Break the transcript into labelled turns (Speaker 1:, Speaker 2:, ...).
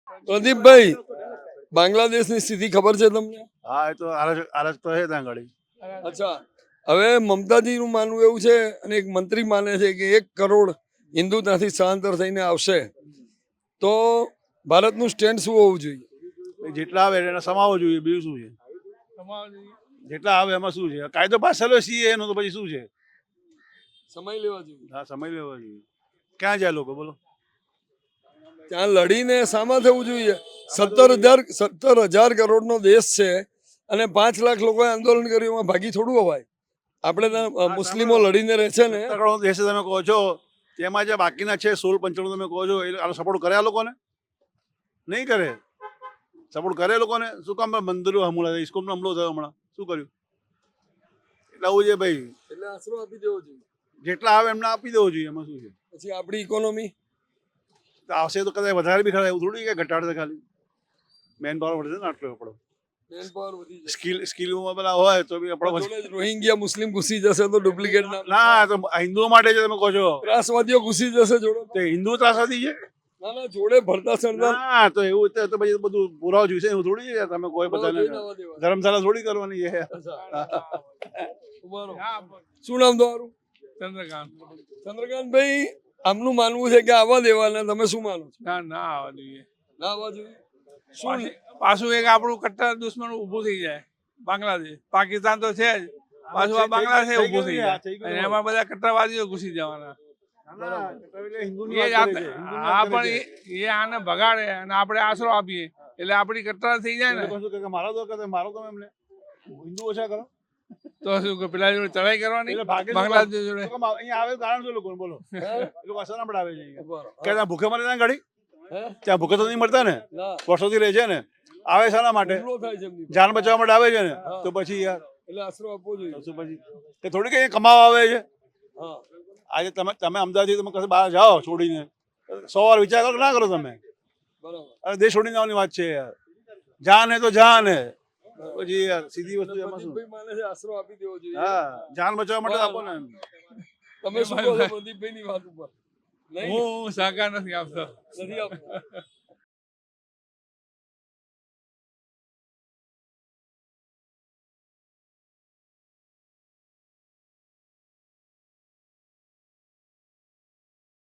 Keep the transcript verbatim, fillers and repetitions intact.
Speaker 1: પ્રદીપભાઈ, બાંગ્લાદેશની સ્થિતિ ખબર છે તમને?
Speaker 2: હા એ તો આરજ આરજ તો છે ત્યાં ગાડી.
Speaker 1: અચ્છા, હવે મમતાજીનું માનવું એવું છે અને એક મંત્રી માને છે કે એક કરોડ હિન્દુ ત્યાંથી સ્થળાંતર થઈને આવશે તો ભારતનું સ્ટેન્ડ શું હોવું જોઈએ?
Speaker 2: જેટલા આવે એને સમાવવો જોઈએ, બીજું શું છે? જેટલા આવે એમાં શું છે? કાયદો પાસેલો સી એનો તો પછી શું છે?
Speaker 1: સમય લેવા જોઈએ.
Speaker 2: હા સમય લેવો જોઈએ. ક્યાં જાય લોકો બોલો?
Speaker 1: ત્યાં લડીને સામા થવું જોઈએ. સત્તર હજાર સત્તર હજાર કરોડનો દેશ છે અને પાંચ લાખ લોકોએ આંદોલન કર્યું, એમાં ભાગી થોડું અવાય. આપણે ત્યાં મુસ્લિમો લડીને રહે છે ને.
Speaker 2: સત્તર કરોડ દેશ તમે કહો છો, તેમાં જે બાકીના છે સોળ પંચાણું તમે કહો છો, એ આનો સપોર્ટ કરે આ લોકોને? નહીં કરે. સપોર્ટ કરે લોકોને? શું કામ મંદિરો હમણાં ઇસ્કોનનો હમલો થયો હમણાં? શું કર્યું? એટલે આવું છે ભાઈ.
Speaker 1: એટલે આશરો આપી દેવો જોઈએ.
Speaker 2: જેટલા આવે એમને આપી દેવો જોઈએ, એમાં શું છે?
Speaker 1: પછી આપણી ઇકોનોમી
Speaker 2: આવશે તો કદાચ વધારે બી ખરા, એવું થોડી કે ઘટાડશે ખાલી. મેન પાવર વધશે ને આટલો આપણો.
Speaker 1: મેન પાવર વધી જશે.
Speaker 2: સ્કિલ સ્કિલમાં પેલા હોય તો બી આપણો
Speaker 1: જોડે જ રોહિંગ્યા મુસ્લિમ ઘૂસી જશે તો ડુપ્લિકેટ ના
Speaker 2: ના તો હિન્દુઓ માટે છે તમે કહો છો.
Speaker 1: ત્રાસવાદીઓ ઘૂસી જશે જોડે.
Speaker 2: તો હિન્દુ ત્રાસવાદી છે?
Speaker 1: ના ના, જોડે ભરતા સરદાર.
Speaker 2: ના તો એવું તો તો પછી બધું પુરાવો જોઈશે, એવું થોડી છે તમે કોઈ બધાને ધર્મશાળા થોડી કરવાની છે.
Speaker 1: શું નામ તમારું?
Speaker 3: ચંદ્રકાંત.
Speaker 1: ચંદ્રકાંતભાઈ, આમનું માનવું છે કે આવવા દેવાના, તમે શું માનો છો?
Speaker 3: ના ના આવવા જોઈએ.
Speaker 1: ના આવવા જોઈએ. શું
Speaker 3: પાછી- પાછું એક આપણું કટ્ટર દુશ્મન ઊભું થઈ જાય. બાંગ્લાદેશ, પાકિસ્તાન તો છે જ, પાછું આ બાંગ્લાદેશ ઊભું થઈ જાય અને એમાં બધા કટ્ટરવાદીઓ ઘૂસી જવાના. એ જ આ- આ પણ એ- એ આને ભગાડે અને આપણે આશરો આપીએ એટલે આપણી કટ્ટર થઈ જાય ને.
Speaker 2: મારો તો કે મારો તો એમને હિન્દુ ઓછા કરો
Speaker 3: તો શું કે પેલા જોડે ચડાઈ કરવાની
Speaker 2: એટલે ભાગે
Speaker 3: બાંગ્લાદેશ જોડે.
Speaker 2: અહીંયા આવે કારણ શું લોકો બોલો?
Speaker 1: હે?
Speaker 2: એ લોકો અસર આપણે આવે છે અહીંયા.
Speaker 1: બરાબર.
Speaker 2: કે ત્યાં ભૂખે મરે ત્યાં ગાડી?
Speaker 1: હે?
Speaker 2: ત્યાં ભૂખે તો નહીં મળતા ને,
Speaker 1: ના,
Speaker 2: વર્ષોથી રહે છે ને. આવે શાના માટે?
Speaker 1: હુમલો થાય છે એમની પર.
Speaker 2: જાન બચાવવા માટે આવે છે ને.
Speaker 1: હા.
Speaker 2: તો પછી યાર
Speaker 1: એટલે આશરો આપવો જોઈએ.
Speaker 2: તો શું પછી કે થોડી કઈ કમાવા આવે છે?
Speaker 1: હા,
Speaker 2: આજે તમે તમે અમદાવાદથી તમે કશે બહાર જાઓ છોડીને, સો વાર વિચાર કરો કે ના કરો તમે?
Speaker 1: બરાબર.
Speaker 2: અરે દેશ છોડીને આવવાની વાત છે યાર. જાન હે તો જાન હે. પછી યાર સીધી વસ્તુ એમાં શું?
Speaker 1: પ્રદીપભાઈ માને છે આશરો આપી દેવો જોઈએ.
Speaker 2: હા જાન બચાવવા માટે આપો ને.
Speaker 1: તમે શું કહો છો પ્રદીપભાઈની વાત ઉપર? નહીં,
Speaker 3: હું સહકાર નથી આપતો.
Speaker 1: નથી આપતો.